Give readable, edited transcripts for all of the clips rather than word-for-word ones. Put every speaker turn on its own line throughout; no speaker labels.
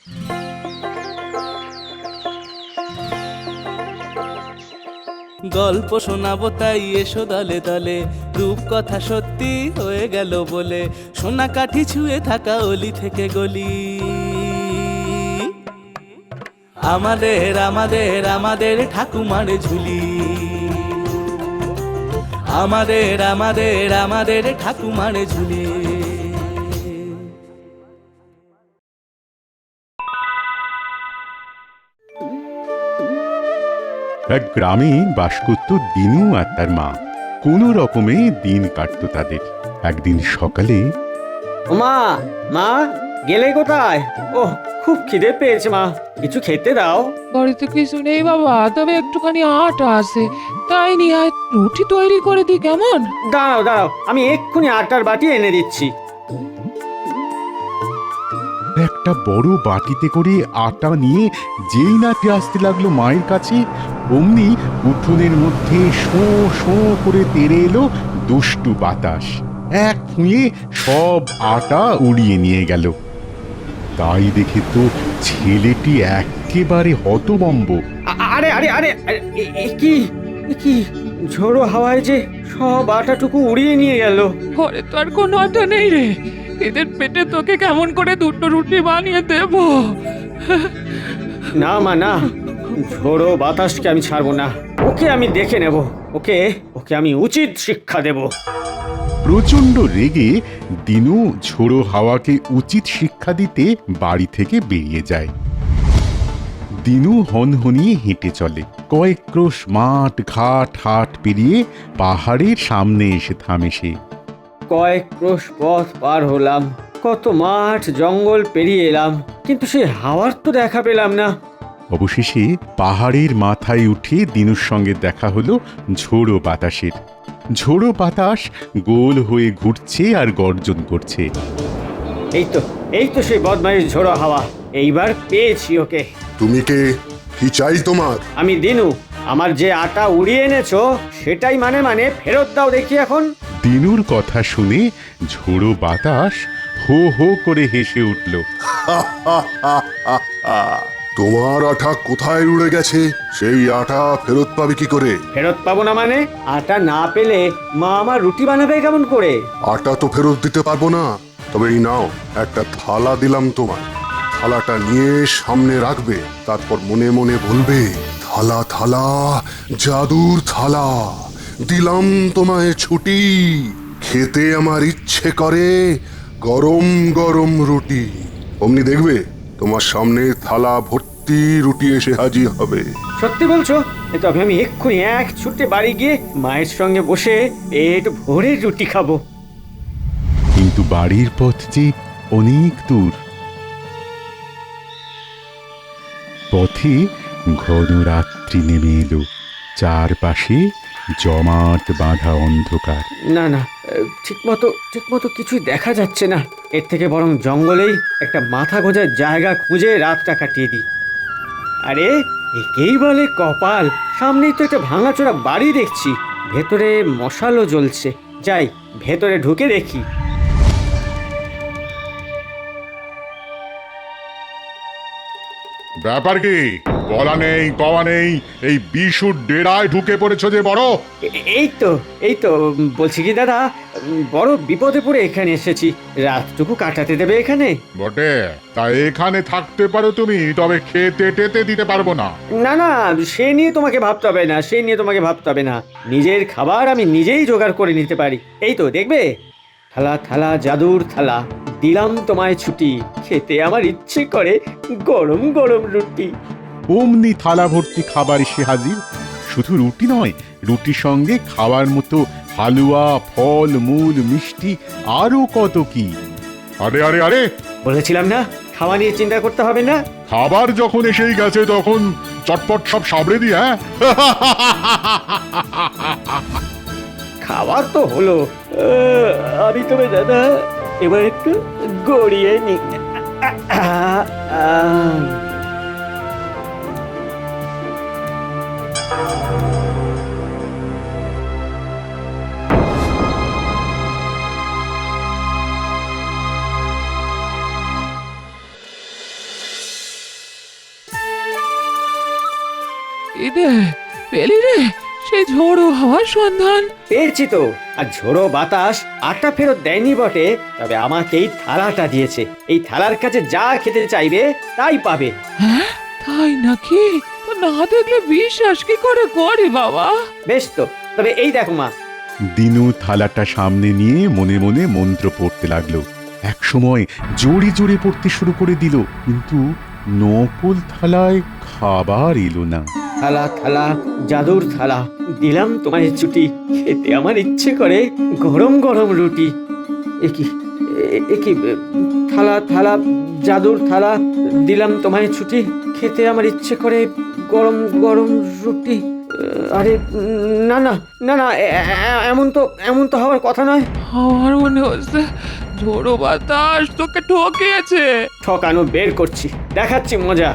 গল্প শোনাবো তাই এসো দলে দলে, রূপকথা সত্যি হয়ে গেল বলে, সোনা কাঠি ছুঁয়ে থাকা অলি থেকে গলি। আমাদের আমাদের আমাদের ঠাকুমার ঝুলি, আমাদের আমাদের আমাদের ঠাকুমার ঝুলি।
এক গ্রামে বাস করত দিনু আর তার মা। কোনো রকমে দিন কাটতো তাদের। একদিন সকালে,
মা, মা গেলে কোথায়? ও খুব খিদে পেয়েছে মা, কিছু খেতে দাও।
বাড়িতে কিছু নেই বাবা, তবে একটুখানি আটা আছে, তাই নিয়ে আয়, রুটি তৈরি করে দি কেমন?
দাঁড়াও দাঁড়াও, আমি এক্ষুনি আটার বাটি এনে দিচ্ছি।
একটা বড় বাটিতে করে আটা নিয়ে যেই না আসতে লাগলো মায়ের কাছে, অমনি উঠোনের মধ্যে শো শো করে তেড়ে এলো দুষ্টু বাতাস। এক ফুঁয়ে সব আটা উড়িয়ে নিয়ে গেল। তাই দেখে তো ছেলেটি একেবারে হতভম্ব।
আরে আরে আরে কি কি ঝোড়ো হাওয়ায় যে সব আটাটুকু উড়িয়ে নিয়ে গেল।
ঘরে তো আর কোনো আটা নেই রে, এদের পেটে তোকে কেমন করে দুটো রুটি বানিয়ে দেব?
না মা না, ঝোড়ো বাতাসকে আমি ছাড়বো না, ওকে আমি দেখে নেব, ওকে ওকে আমি উচিত শিক্ষা দেব।
প্রচন্ড রেগে দিনু ঝোড়ো হাওয়াকে উচিত শিক্ষা দিতে বাড়ি থেকে বেরিয়ে যায়। দিনু হনহনিয়ে হেঁটে চলে। কয়েক ক্রোশ মাঠ ঘাট হাট পেরিয়ে পাহাড়ের সামনে এসে থামে সে।
কয়েক ক্রোশ পথ পার হলাম, কত মাঠ জঙ্গল পেরিয়ে এলাম, কিন্তু সেই হাওয়ার তো দেখা পেলাম না।
অবশেষে পাহাড়ের মাথায় উঠে দিনুর সঙ্গে দেখা হলো ঝোড়ো বাতাসের। ঝোড়ো বাতাস গোল হয়ে ঘুরছে আর গর্জন করছে।
এই তো সেই বদমাইশ ঝোড়ো হাওয়া, এইবার পেয়েছি ওকে।
তুমি কে? কি চাই তোমার?
আমি দিনু, আমার যে আটা উড়িয়ে এনেছো সেটাই মানে ফেরত দাও দেখি এখন।
দিনুর কথা শুনে ঝোড়ো বাতাস হো হো করে হেসে উঠল।
তোমার আটা কোথায় উড়ে গেছে? সেই আটা ফেরত পাবে কি করে?
ফেরত পাবো না মানে? আটা না পেলে মা আমার রুটি বানাবে কেমন করে?
আটা তো ফেরত দিতে পারবো না, তবে এই নাও, একটা থালা দিলাম তোমায়। থালাটা নিয়ে সামনে রাখবে, তারপর মনে মনে বলবে, থালা থালা জাদুর থালা, দিলাম তোমায় ছুটি, খেতে আমার ইচ্ছে করে গরম গরম রুটি। অমনি দেখবে তোমার সামনে থালা ভর্তি রুটি এসে হাজির হবে।
সত্যি বলছো? তবে আমি এক্ষুনি এক ছুটে বাড়ি গিয়ে মায়ের সঙ্গে বসে পেট ভরে রুটি খাবো।
কিন্তু বাড়ির পথ যে অনেক দূর। পথে ঘন রাত্রি নেমে এলো। চারপাশে জমাট বাঁধা অন্ধকার।
না না, ঠিকমতো কিছুই দেখা যাচ্ছে না। এর থেকে বরং জঙ্গলেই একটা মাথা গোঁজার জায়গা খুঁজে রাতটা কাটিয়ে দিই। আরে একেই বলে কপাল, সামনেই তো একটা ভাঙাচোরা বাড়ি দেখছি, ভেতরে মশালও জ্বলছে। যাই, ভেতরে ঢুকে দেখি।
ব্যাপার কি? বলা নেই কওয়া নেই, এই বিশুর ডেরায় ঢুকে পড়েছ যে বড়।
এই তো বলছি কি দাদা, বড় বিপদে পড়ে এখানে এসেছি, রাতটুকু কাটাতে দেবে এখানে?
বটে, তা এখানে থাকতে পারো তুমি, তবে খেতে টেতে দিতে পারবো না।
না না, সে নিয়ে তোমাকে ভাবতে হবে না, নিজের খাবার আমি নিজেই জোগাড় করে নিতে পারি। এই তো দেখবে, থালা থালা জাদুর থালা, দিলাম তোমায় ছুটি, খেতে আমার ইচ্ছে করে গরম গরম রুটি।
অমনি থালা ভর্তি খাবার এসে হাজির। শুধু রুটি নয়, রুটির সঙ্গে খাওয়ার মতো হালুয়া, ফল মূল, মিষ্টি, আরো কত কি।
আরে আরে আরে,
বলেছিলাম না খাওয়া নিয়ে চিন্তা করতে হবে না।
খাবার যখন এসেই গেছে তখন চটপট সব সাবড়ে দি। হ্যাঁ,
খাবার তো হলো, আমি তবে দাদা এবার একটু গড়িয়ে নি।
ইদে পেলি রে সেই ঝোড়ো হওয়ার সন্ধান।
পেয়েছি তো, আর ঝোড়ো বাতাস আটা ফেরত দেয়নি বটে, তবে আমাকে এই থালাটা দিয়েছে। এই থালার কাছে যা খেতে চাইবে তাই পাবে।
হ্যাঁ তাই নাকি? তো না দেখলে বিশ্বাস কি করে করি বাবা?
বেশ তো, তবে এই দেখো মা।
দিনু থালাটা সামনে নিয়ে মনে মনে মন্ত্র পড়তে লাগলো। এক সময় জোরে জোরে পড়তে শুরু করে দিল, কিন্তু নকল থালায় খাবার এলো না।
থালা থালা জাদুর থালা, দিলাম তোমায় ছুটি, খেতে আমার ইচ্ছে করে গরম গরম রুটি। একি থালা থালা জাদুর থালা, দিলাম তোমায় ছুটি, খেতে আমার ইচ্ছে করে গরম গরম রুটি। আরে না না না না, এমন তো হওয়ার কথা নয়।
আমার মনে হচ্ছে ঝোড়ো বাতাস তোকে ঠকিয়েছে।
ঠকানো বের করছি, দেখাচ্ছি মজা।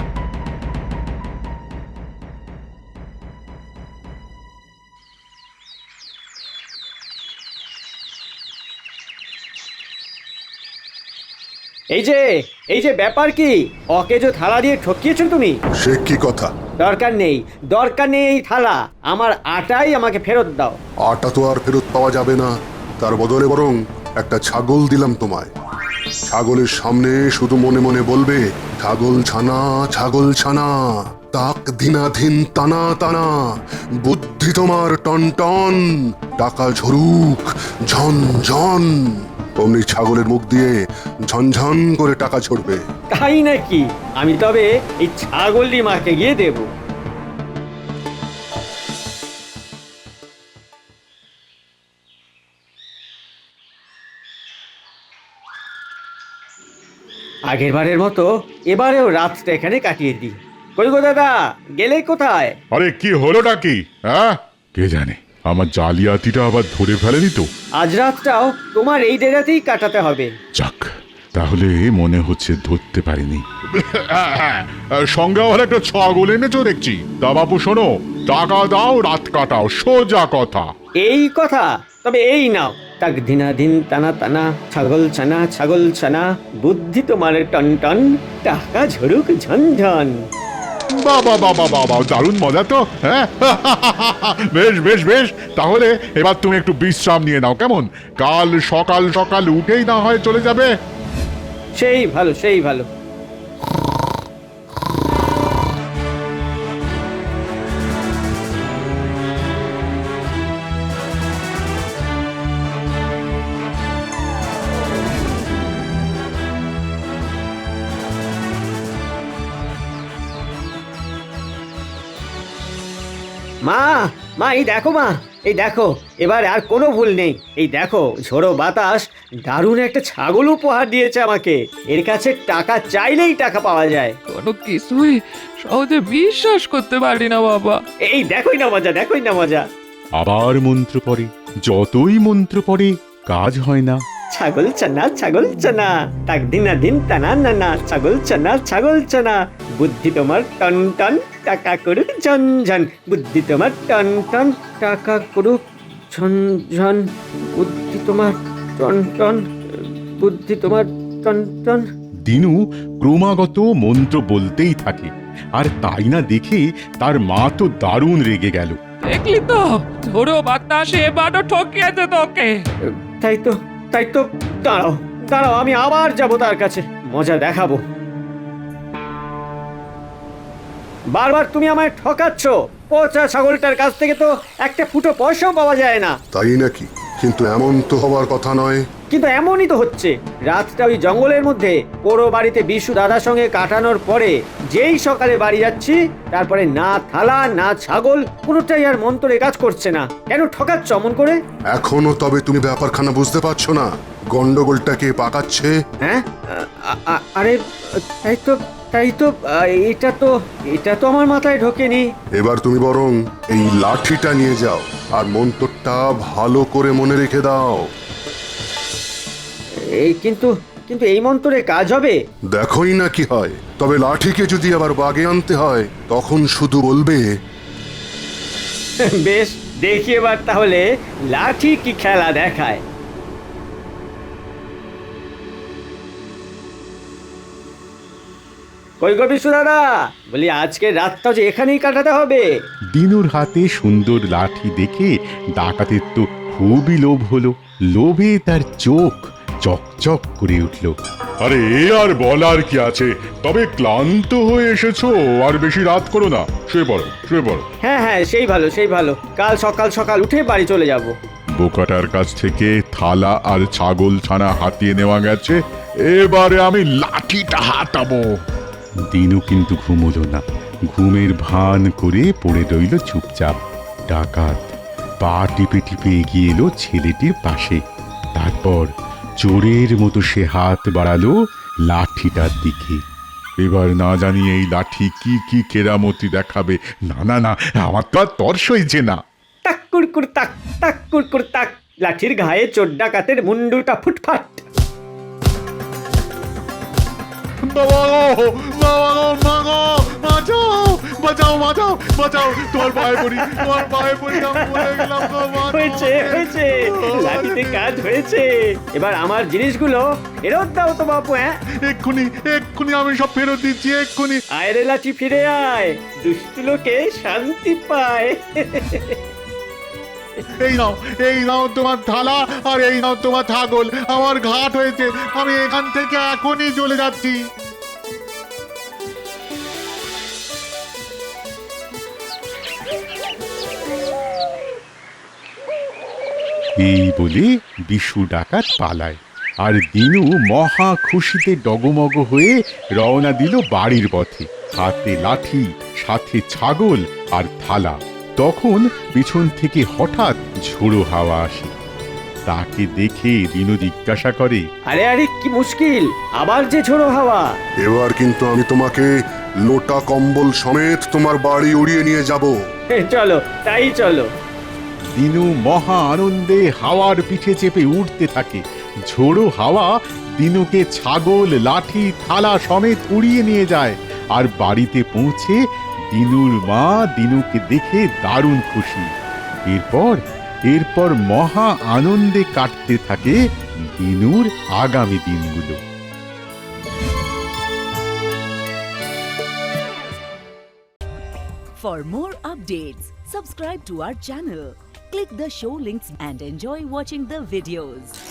এই যে ব্যাপার কি, ওকে যে থালা দিয়ে ঠকিয়েছো তুমি।
সে কি কথা?
দরকার নেই এই থালা, আমার আটাই আমাকে ফেরত দাও।
আটা তো আর ফেরত পাওয়া যাবে না, তার বদলে বরং একটা ছাগল দিলাম তোমায়। ছাগলের সামনে শুধু মনে মনে বলবে, ছাগল ছানা ছাগল ছানা, তাক দিনাধীন টানা টানা, বুদ্ধি তোমার টন টন, টাকা ঝরুক ঝন ঝন। অমনি ছাগলের মুখ দিয়ে ঝনঝন করে টাকা ঝরবে।
তাই নাকি? আমি তবে এই ছাগলটি মাকে গিয়ে দেব। আগের বারের মতো এবারেও রাতটা এখানে কাটিয়ে দিই। কই গো দাদা, গেলে কোথায়?
আরে কি হলোটা কি? হ্যাঁ, কে জানে আমার জালিয়াতিটা আবার ধরে ফেলেনি তো।
আজ রাতটাও তোমার এই ডেরাতেই কাটাতে হবে।
যাক, তাহলে মনে হচ্ছে ধরতে পারিনি। সঙ্গে আবার একটা ছাগল এনেছো দেখছি। তা বাপু শোনো, টাকা দাও রাত কাটাও, সোজা কথা।
এই কথা? তবে এই নাও, তাক দিনাদিন টানা টানা, ছাগল ছানা, বুদ্ধি তোমার টন টন, টাকা ঝরুক ঝনঝন।
বাবা বাবা বাবা, দারুণ মজা তো। হ্যাঁ, বেশ বেশ বেশ, তাহলে এবার তুমি একটু বিশ্রাম নিয়ে নাও, কেমন? কাল সকাল সকাল উঠেই না হয় চলে যাবে।
সেই ভালো সেই ভালো। মা এই দেখো মা, এই দেখো, এবার আর কোনো ভুল নেই। এই দেখো, ঝোড়ো বাতাস দারুণ একটা ছাগল উপহার দিয়েছে আমাকে। এর কাছে টাকা চাইলেই টাকা পাওয়া যায়।
কোনো কিছুই সহজে বিশ্বাস করতে পারি না বাবা।
এই দেখোই না মজা।
আবার মন্ত্র পড়ে, যতই মন্ত্র পড়ে কাজ হয় না।
ছাগল চানা, তাক দিনাদিন টানা নানা, ছাগল চানা, বুদ্ধি তোমার টন টন, টাকা করুক ঝন ঝন, বুদ্ধি তোমার টন টন, টাকা করুক ঝন ঝন, বুদ্ধি তোমার টন টন, বুদ্ধি তোমার টন টন।
দিনু ক্রমাগত মন্ত্র বলতেই থাকে, আর তাই না দেখে তার মা তো দারুণ রেগে গেল।
দেখলি তো ঝোড়ো বাতাস এবারও ঠকিয়েছে তোকে।
তাই তো, দাঁড়াও, আমি আবার যাব তার কাছে, মজা দেখাবো। বারবার তুমি আমায় ঠকাচ্ছ। পচা ছাগলটার কাছ থেকে তো একটা ফুটো পয়সাও পাওয়া যায় না।
তাই নাকি? কিন্তু এমন তো হওয়ার কথা নয়।
কিন্তু এমনই তো হচ্ছে। রাতটা ওই জঙ্গলের মধ্যে পোড়ো বাড়িতে বিশু দাদার সঙ্গে কাটানোর পরে যেই সকালে বাড়ি যাচ্ছি, তারপরে না থালা না ছাগল, কোনোটাই আর মন্ত্রে কাজ করছে না। কেন ঠকাচ্ছ অমন করে?
এখনো তবে তুমি ব্যাপারখানা বুঝতে পারছো না? গন্ডগোলটাকে পাকাচ্ছে।
হ্যাঁ, আরে তাই তো, এটা তো আমার মাথায় ঢোকেনি।
এবার তুমি বরং এই লাঠিটা নিয়ে যাও, আর মন্ত্রটা ভালো করে মনে রেখে দাও।
কিন্তু এই মন্ত্রে কাজ হবে?
দেখোই না কি হয়। তবে লাঠিকে যদি আবার বাগে আনতে হয়, তখন শুধু বলবে,
বেশ, দেখি এবার তাহলে লাঠি কি খেলা দেখায়। কই গো বিশু দাদা, বলি আজকে রাতটা যে এখানেই কাটাতে হবে।
দিনুর হাতে সুন্দর লাঠি দেখে ডাকাতের তো খুবই লোভ হলো। লোভে তার চোখ চকচক করে উঠল।
আরে এ আর বলার কি আছে, তবে ক্লান্ত হয়ে এসেছো, আর বেশি রাত করো না, শুয়ে পড়ো শুয়ে পড়ো।
হ্যাঁ হ্যাঁ, সেই ভালো সেই ভালো, কাল সকাল সকাল উঠে বাড়ি চলে যাব।
বোকাটার কাছ থেকে থালা আর ছাগল ছানা হাতিয়ে নেওয়া গেছে, এবারে আমি লাঠিটা হাতাবো।
দিনু কিন্তু ঘুমোলো না, ঘুমের ভান করে পড়ে রইল চুপচাপ। ডাকাত পা টিপে টিপে এগিয়ে এলো ছেলেটির পাশে। তারপর চোরের মতো সে হাত বাড়ালো লাঠিটার দিকে।
এবার না জানি এই লাঠি কি কি কেরামতি দেখাবে। না না না, আমার তো আর তর সইছে না।
তাক কুড়কুড় তাক, তাক কুড়কুড় তাক, লাঠির ঘায়ে চোর ডাকাতের মুন্ডুটা ফুটফাট।
বাবা গো, বাবা গো, মা গো, বাঁচাও বাঁচাও বাঁচাও বাঁচাও, তোমার পায়ে পড়ি, তোমার পায়ে পড়ি, আমি মরে গেলাম গো, বাঁচাও।
হয়েছে হয়েছে, লাঠিতে কাজ হয়েছে। এবার আমার জিনিসগুলো ফেরত দাও তো বাপু। হ্যাঁ,
এক্ষুনি এক্ষুনি আমি সব ফেরত দিচ্ছি, এক্ষুনি।
আয় রে লাঠি, ফিরে আয়, দুষ্টু লোকে শান্তি পায়।
এই নাও তোমার থালা, আর এই নাও তোমার ছাগল। আমার ঘাট হয়েছে, আমি এখান থেকে এখনই চলে যাচ্ছি।
এই বলে বিশু ডাকাত পালায়, আর দিনু মহা খুশিতে ডগমগ হয়ে রওনা দিল বাড়ির পথে, হাতে লাঠি, সাথে ছাগল আর থালা। তখন পিছন থেকে হঠাৎ ঝোড়ো হাওয়া আসে। তাকে দেখে দিনু জিজ্ঞাসা করে,
আরে আরে, কি মুশকিল, আবার যে ঝোড়ো হাওয়া।
এবার কিন্তু আমি তোমাকে লোটা কম্বল সমেত তোমার বাড়ি উড়িয়ে নিয়ে যাব।
চলো তাই চলো।
দিনু মহা আনন্দে হাওয়ার পিঠে চেপে উঠতে থাকে। ঝোড়ো হাওয়া দিনুকে ছাগল, লাঠি, থালা সমেত উড়িয়ে নিয়ে যায়। আর বাড়িতে পৌঁছে দিনুর মা দিনুকে দেখে দারুণ খুশি। এরপর মহা আনন্দে কাটতে থাকে দিনুর আগামী দিনগুলো।
For more updates, subscribe to our channel, click the show links and enjoy watching the videos.